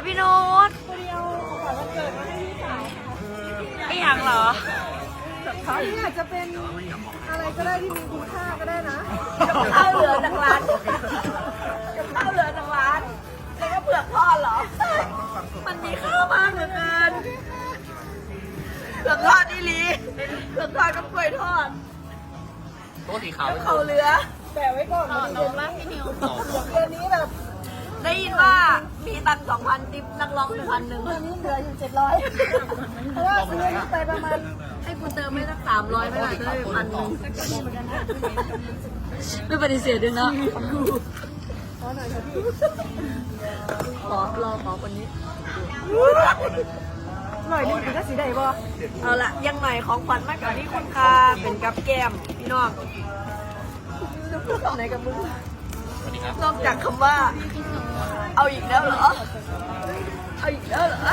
พี่นุชคนเดียวขวัญวันเกิดมาให้พี่สาวค่ะไม่อยากเหรอเขาที่อาจจะเป็นอะไรก็ได้ที่มีคุณค่าก็ได้นะกับข้าวเหลือจากร้านกับข้าวเหลือจากร้านแล้วก็เปลือกทอดเหรอ มันมีข้าวมากเหลือเกินเปลือกทอดนี่ลีเปลือกทอดกับกล้วยทอดโต๊ะสีขาวกับข้าวเหลือแต่ไว้ก่อนนะเดือนนี้เดือนนี้แบบได้ยินว่ามีตังค์2,000 ติปนักร้อง1,100 เดือนนี้เหลืออยู่700เพราะว่าซื้อนี่ไปประมาณให้คุณเติมไม่สัก300ไม่ได้ได้1,000ไม่ปฏิเสธด้วยนะขอหน่อยค่ะพี่ขอคนนี้หน่อยนึงถึงก็สีได้บ่เอาละยังหน่อยของขวัญมากกว่านี้คุณค่าเป็นกับแก้มพี่น้องจะพูดคำไหนกับมึงสวัสดีครับนอกจากคำว่า เอาอีกแล้วเหรอ เอาอีกแล้วเหรอ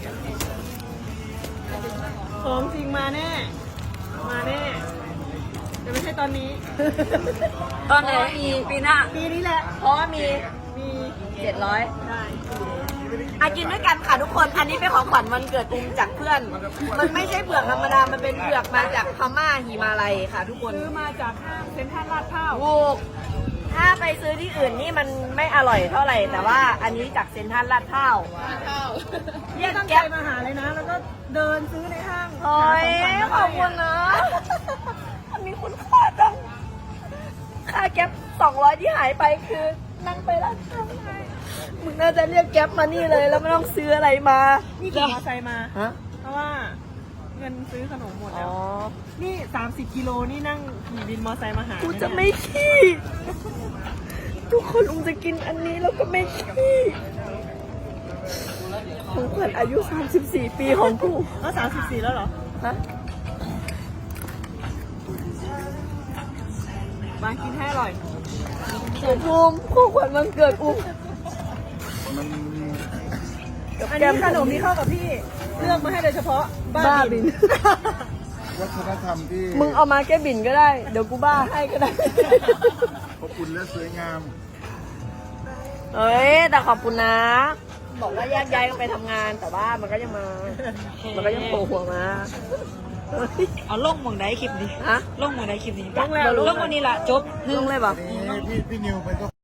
ของจริงมาแน่ มาแน่แต่ไม่ใช่ตอนนี้ตอนไหนมีปีหน้าปีนี้แหละเพราะว่ามีมี 700 ได้กินด้วยกันค่ะทุกคน อันนี้เป็นของขวัญวันเกิดอุ้มจากเพื่อน มันไม่ใช่เปลือกธรรมดา มันเป็นเปลือกมาจากพม่าหิมาลัยค่ะทุกคนซื้อมาจากห้างเซ็นทรัลลาดพร้าวถูกถ้าไปซื้อที่อื่นนี่มันไม่อร่อยเท่าไหร่ แต่ว่าอันนี้จากเซ็นทรัลลาดพร้าวเรียกตั้งใจมาหาเลยนะ แล้วก็เดินซื้อในห้างโอ้ยขอบคุณนะ อันนี้คุณค่าจัง ค่าแก๊ป200 ที่หายไปคือนั่งไปร้านข้าวไงมึงน่าจะเรียกแก๊ปมานี่เลยแล้วไม่ต้องซื้ออะไรมานี่ขี่มอเตอร์ไซค์มาฮะเพราะว่าเงินซื้อขนมหมดอ๋แล้อว นี่ 30 กิโลนี่นั่งขี่บินมอเตอร์ไซค์มาหากูจะไม่ขี้ ทุกคนอุ้มจะกินอันนี้แล้วก็ไม่ขี้ของขวัญอายุ 34 ปีของกูแล้ว34 แล้วเหรอฮะมากินให้อร่อยผมภูมิของขวัญวันเกิดอุ้มอันนี้ขนมที่เข้ากับพี่ เลือกมาให้โดยเฉพาะบ้าบินวัฒนธรรมที่มึงเอามาแค่บินก็ได้ เดี๋ยวกูบ้าให้ก็ได้อบอุ่นและสวยงามเอ้ย แต่ขอบคุณนะ บอกว่าแยกย้ายกันไปทำงาน แต่ว่ามันก็ยังมา มันก็ยังโผล่หัวมาเอาลงหมองได้คลิปดิฮะลงหมองได้คลิปดิลงแล้วลงวันนี้ละจบลงเลยบอกนี่พี่นิวเป็นเจ้า